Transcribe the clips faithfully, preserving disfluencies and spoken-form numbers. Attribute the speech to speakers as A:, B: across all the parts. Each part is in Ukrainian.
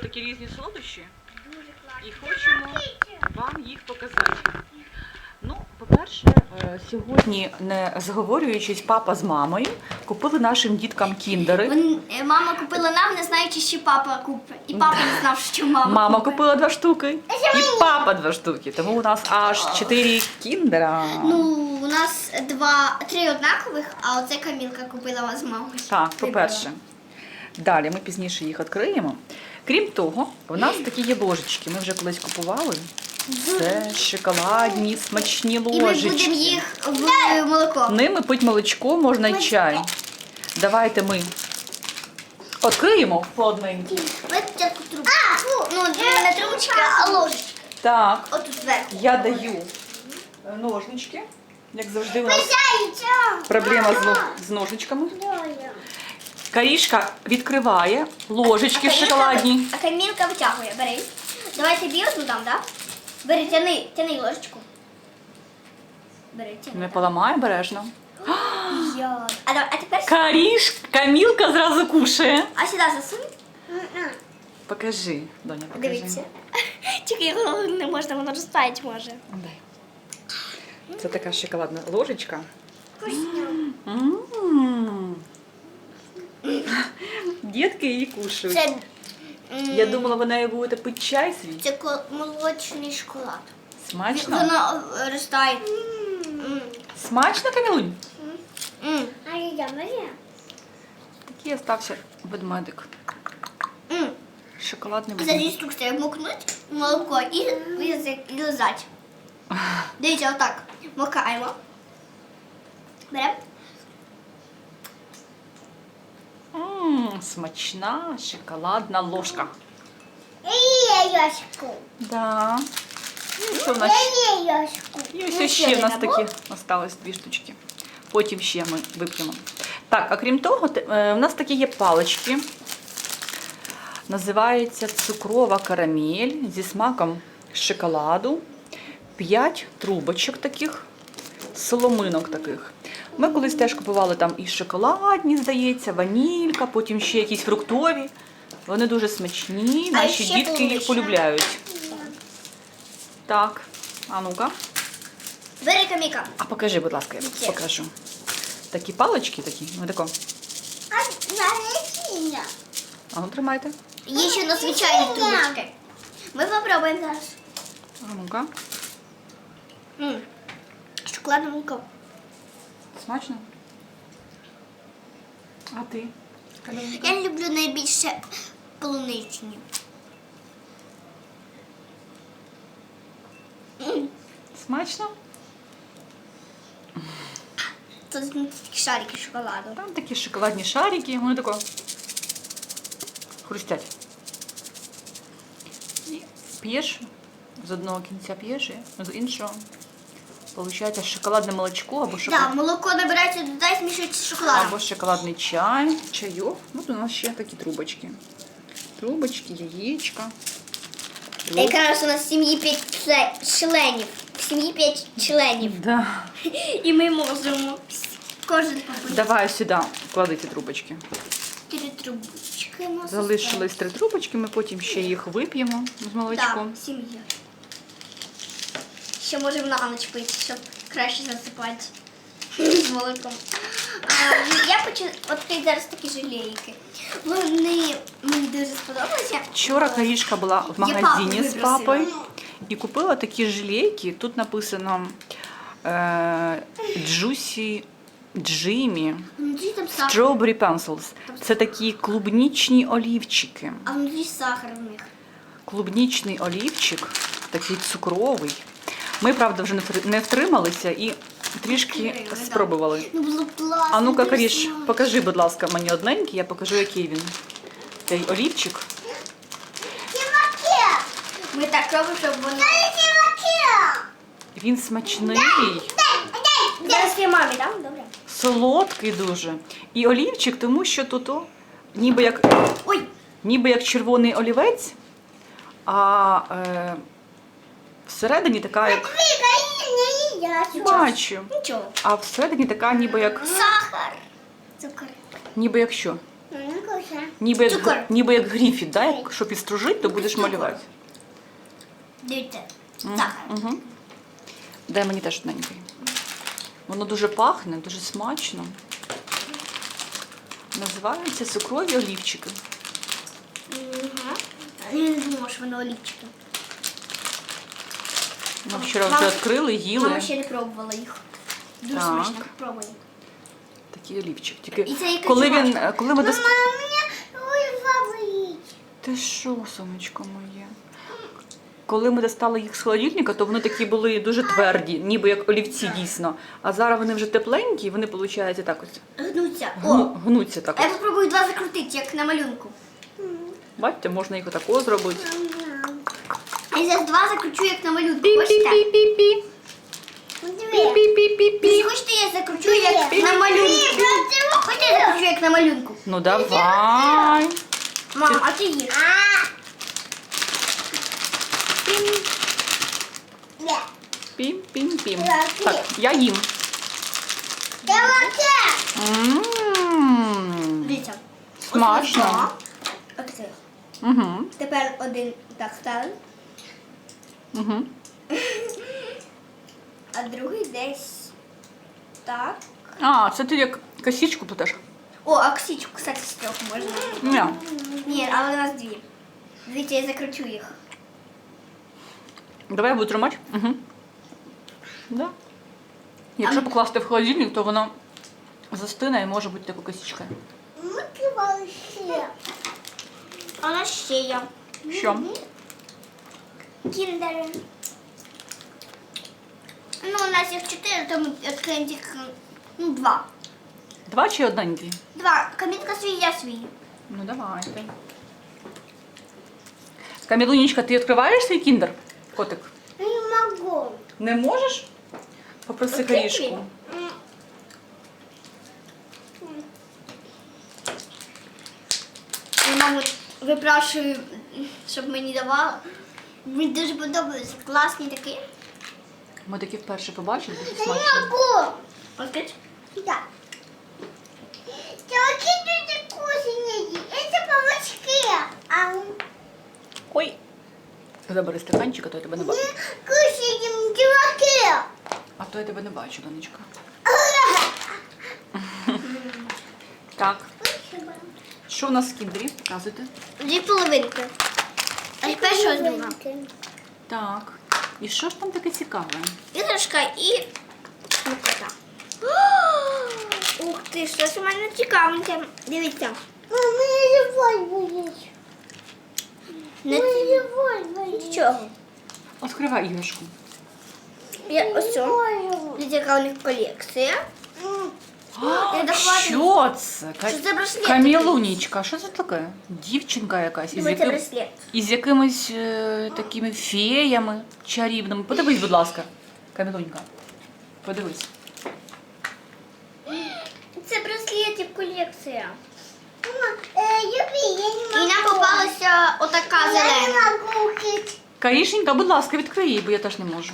A: такі різні солодощі
B: Дуже класно.
A: і хочемо вам їх показати. Ну, по-перше, е, сьогодні, не заговорюючись, папа з мамою купили нашим діткам кіндери.
B: Вон- е, Мама купила нам, не знаючи, що папа купить. І папа не знав, що мама
A: Мама
B: купить.
A: купила два штуки і папа два штуки. Тому у нас аж чотири кіндера.
B: Ну, у нас два, три однакових, а оце Камілка купила з мамою.
A: Так, по-перше. Далі ми пізніше їх відкриємо. Крім того, у нас такі є ложечки. Ми вже колись купували. Це шоколадні, смачні
B: І ми
A: ложечки.
B: будемо їх в молоко.
A: Ними пить молочко, можна й чай. Давайте ми відкриємо по одненькій.
B: Таку трубку. А, фу, ну не трубочка, а ложечка.
A: Так,
B: Отут зверху.
A: я даю ножнички. Як завжди у нас проблема з, но- з ножничками. Карішка відкриває ложечки шоколадні.
B: А Камілка витягує, бери. Давай тобі одну дам, так? Бери, тяни, тяни ложечку. Бери, тяни.
A: Не поламай обережно.
B: Я. А, давай, а тепер...
A: Каріш, Камілка зразу кушає.
B: А сюди засунь.
A: Покажи, доня, покажи.
B: Дивіться. Тільки його не можна, воно розтаять може.
A: Дай. Це така шоколадна ложечка.
B: Вкусно.
A: М. Дітки її кушають.
B: Це,
A: Я думала, ви нею будете пити чай свій.
B: це ко- молочний шоколад.
A: Смачно?
B: Воно е, розтає. М.
A: Смачно, Камілунь?
B: М. А я Марія?
A: Такий остався ведмедик.
B: М.
A: Шоколадний
B: За
A: ведмедик.
B: інструкцією мокнуть молоко і, і, і лизать. Дивіться, отак. Макаємо. Беремо.
A: Ммм, смачна шоколадна ложка.
B: І яшку.
A: Да. І що в нас?
B: І яшку.
A: І ось ще в нас такі осталось дві штучки. Потім ще ми вип'ємо. Так, а крім того, те- е, в нас такі є палички. Називається цукрова карамель зі смаком шоколаду. П'ять трубочок таких, соломинок таких. Ми колись теж купували там і шоколадні, здається, ванілька, потім ще якісь фруктові. Вони дуже смачні,
B: А
A: наші
B: ще
A: дітки їх
B: полунична.
A: полюбляють. Так, а ну-ка.
B: Бери Каміка.
A: А покажи, будь ласка, я
B: Які?
A: покажу. Такі палички такі, ну тако.
B: А наречення.
A: А ну тримайте.
B: Є ще на звичайні трубочки. Ми попробуємо зараз.
A: А ну-ка.
B: М. Шоколадне молоко.
A: Смачно? А ти?
B: Я люблю найбільше полуничні. М.
A: Смачно?
B: Тут такі шарики шоколаду.
A: Там такі шоколадні шарики, вони тако хрустять. І п'єш, з одного кінця п'єш, і з іншого. Получається шоколадне молочко або шоколад.
B: Так, молоко набирається, додай, змішується з шоколадом.
A: Або шоколадний чай, чайок. От у нас ще такі трубочки. Трубочки, яєчка.
B: Якраз у нас в сім'ї п'ять чле- членів. В сім'ї п'ять членів.
A: Да.
B: І ми можемо кожен побити.
A: Давай сюди клади ці трубочки.
B: Три трубочки у нас.
A: Залишились три трубочки, ми потім ще їх вип'ємо з
B: Так,
A: молочком.
B: сім'я. Ще можемо на ніч пити, щоб краще засипати з молоком. А, я хочу відкрити зараз такі жалейки. Вони мені дуже сподобалися.
A: Вчора Карішка була в
B: Я
A: магазині
B: папу
A: з
B: випросила.
A: папою і купила такі жилейки. Тут написано е, Juicy Jimmy
B: Внутрі там сахар.
A: Strawberry Pencils. Це такі клубнічні олівчики.
B: А внутрі сахар в них.
A: Клубнічний олівчик, такий цукровий. Ми, правда, вже не втри- не втрималися і трішки
B: Відкрили, да.
A: спробували.
B: Ну було класно.
A: А ну-ка,
B: дуже
A: Каріш,
B: смачно.
A: покажи, будь ласка, мені одненький, я покажу, який він. Цей олівчик.
B: Ми так робимо, щоб вони...
A: Він смачний,
B: Зараз я мамі дам, добре?
A: солодкий дуже. І олівчик, тому що тут о, ніби як,
B: Ой,
A: ніби як червоний олівець, а е, всередині така як... Бачу.
B: Нічого.
A: А всередині така ніби як...
B: Сахар. Цукор.
A: Ніби як що?
B: Ну,
A: Ніби як,
B: Цукор.
A: гр- ніби як гріфіт, да? Якщо підстружить, то будеш
B: Цукор.
A: малювати.
B: Дивіться.
A: М,
B: Сахар.
A: Угу. Дай мені теж одненький. Воно дуже пахне, дуже смачно. Називаються цукрові олівчики.
B: Угу. Я не думала, що воно олівчики.
A: Ми вчора вже
B: Мама-
A: відкрили, їли.
B: Мама ще не пробувала їх. Дуже
A: Так.
B: смачно. Пробуй.
A: Такий олівчик. Тільки
B: І це якась
A: коли він,
B: жвачка.
A: коли ми дос...
B: у мене голова болить.
A: Ти що, сонечко моє? Коли ми достали їх з холодильника, то вони такі були дуже тверді, ніби як олівці дійсно. А зараз вони вже тепленькі, і вони, виходить, так ось
B: Гнуться. О,
A: гну, гнуться так
B: а я
A: ось.
B: попробую два закрутити, як на малюнку.
A: Бачите, можна їх отако зробити.
B: А я зараз два закручу, як на малюнку. Хочете?
A: Пі-пі-пі-пі-пі. Пі-пі-пі-пі-пі.
B: Хочете, я закручу, як на малюнку? Хочете, я закручу, як на малюнку?
A: Ну давай.
B: Мам, а ти їж.
A: Пім-пім-пім. Так, я їм. М,
B: Дивіться.
A: Смачно.
B: Ось це.
A: Угу.
B: Тепер один так ставимо,
A: Угу.
B: а другий десь так.
A: А, це ти як косичку плетеш?
B: О, а ксічку, кстати, з трьох можна.
A: Ні.
B: Ні, але у нас дві. Дивіться, я закручу їх.
A: Давай я буду тримати. Угу. Да. Якщо покласти в холодильник, то воно застине і може бути такою косичкою.
B: А у нас ще є.
A: Що?
B: Кіндери. Ну, у нас їх чотири, то ми відкриємо тільки ну, два.
A: Два чи одненький?
B: Два. Камінка свій, я свій.
A: Ну давайте. Камілунечка, ти відкриваєш свій кіндер? Котик?
B: Не можу.
A: Не можеш? Попроси
B: Відкрий
A: корішку.
B: свій. Я маму випрашую, щоб мені давала. Мені дуже подобається. Класний такий.
A: Ми такі вперше побачили, дуже смачно.
B: могу. Открыть? Да. Телки дуже вкусные. Это помочки. А
A: Ой. Забери стаканчик, а то я тебе не бачу.
B: кушаем телки.
A: А то я тебе не бачу, донечка. Так. Що у нас в кіндері? Показуйте.
B: Дві половинки. А тепер що з друга?
A: Так. І що ж там таке цікаве?
B: Іграшка і смакота. Ух ти, щось у мене цікавеньке. Дивіться. Мама, живой болить. Не живой болить. Нічого.
A: Відкривай іграшку.
B: Я ось цю. Дивіться, яка у них колекція. Я дохватую.
A: Що це? Ка-
B: Що це браслет
A: Камілунічка, що це таке? Дівчинка якась із,
B: Дивіться,
A: яким...
B: браслет.
A: із якимись е, такими феями чарівними. Подивись, будь ласка. Камілунька. Подивись.
B: Це браслетів колекція. І нам попалася отака зелена.
A: Карішенька, будь ласка, відкрий її, бо я теж не можу.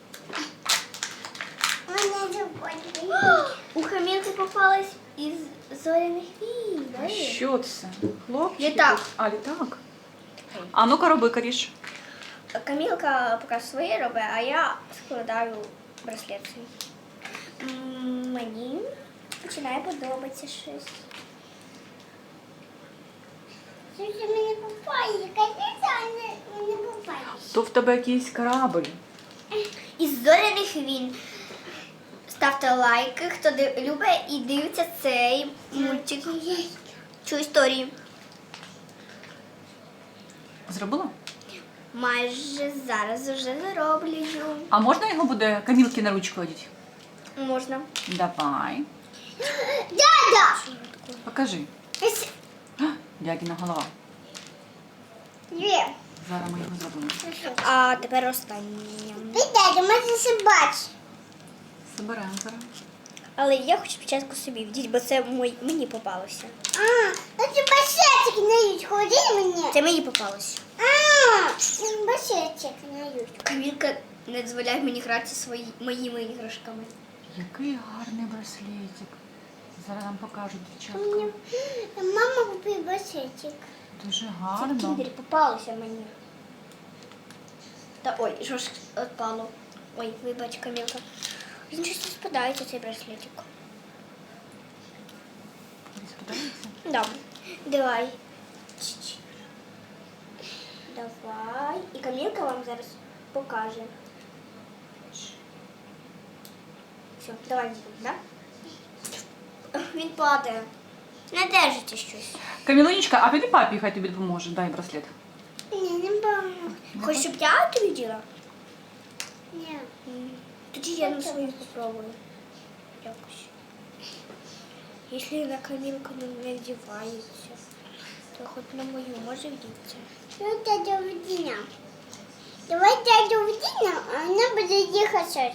B: У Хамінки попалась із зоряних вій.
A: А що це? Хлопчик?
B: Літак.
A: А, літак. А ну-ка роби, Каріш.
B: Камілка поки своє робить, а я складаю браслет свій. М, Мені починає подобатися щось. Щось мені попає, мені попає.
A: То в тебе якийсь корабль.
B: Із зоряних війн. Ставте лайки, хто див- любить і дивиться цей мультик. Цю історію.
A: Зробила?
B: Майже зараз вже зароблю.
A: А можна його буде Камілки на ручку одіти?
B: Можна.
A: Давай.
B: Дядя!
A: Покажи. А, дядіна голова.
B: Є.
A: Зараз ми його зробимо.
B: А тепер останнє. Дядя, можна ще бачити.
A: Заберемо зараз.
B: Але я хочу спочатку собі вдіти, бо це мой, мені попалося. А, це башечок нають, ходи мені. Це мені попалося. А, башечок нають. Камілка не дозволяє мені грати свої, моїми іграшками.
A: Який гарний браслетик. Зараз нам покажуть дівчатка.
B: Мені мама купила басетик.
A: Дуже
B: Це
A: гарно.
B: кіндері попалося мені. Та ой, що ж відпало. Ой, вибач, Камілка. Він щось не спадається, цей браслетик.
A: Тобі сподобається?
B: Да. Давай. Чш-чш. Давай. І Камілка вам зараз покаже. Все, давай, да? Він падає. Не держите щось.
A: Камілонічка, а піди папі, хай тобі допоможе. Дай браслет.
B: Ні, не можу. Хочеш, щоб я тобі діла? Ні. Тоді я на свою спробую. Якось. Якщо на Камілку не вдівається, то хоч на мою може вдіться. Ну, дядя Вдіня. Давай дядю Вдіня, а вона буде їхати.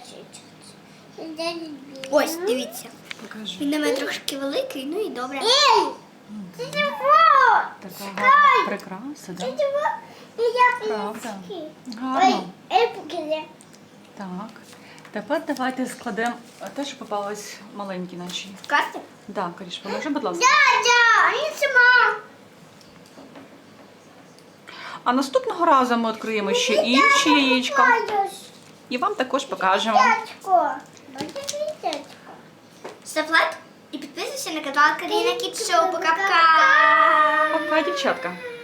B: Ось, дивіться.
A: Покажи.
B: Він на мене трошки великий, ну і добре. Ей! Це чого?
A: Така гарна прикраса, да?
B: чого? Я
A: Правда. Гарно.
B: Ей, покажи.
A: Так. Тепер давайте складемо те, що попалось маленькі наші.
B: Карти?
A: Да, Каріш, поможи, будь ласка.
B: Дядя, не сама.
A: А наступного разу ми відкриємо ще інші яєчка. І вам також покажемо.
B: Дядько. Дядько. Став лайк і підписуйся на канал Каріна Кіт Шоу. Пока-пока.
A: Пока, дівчатка.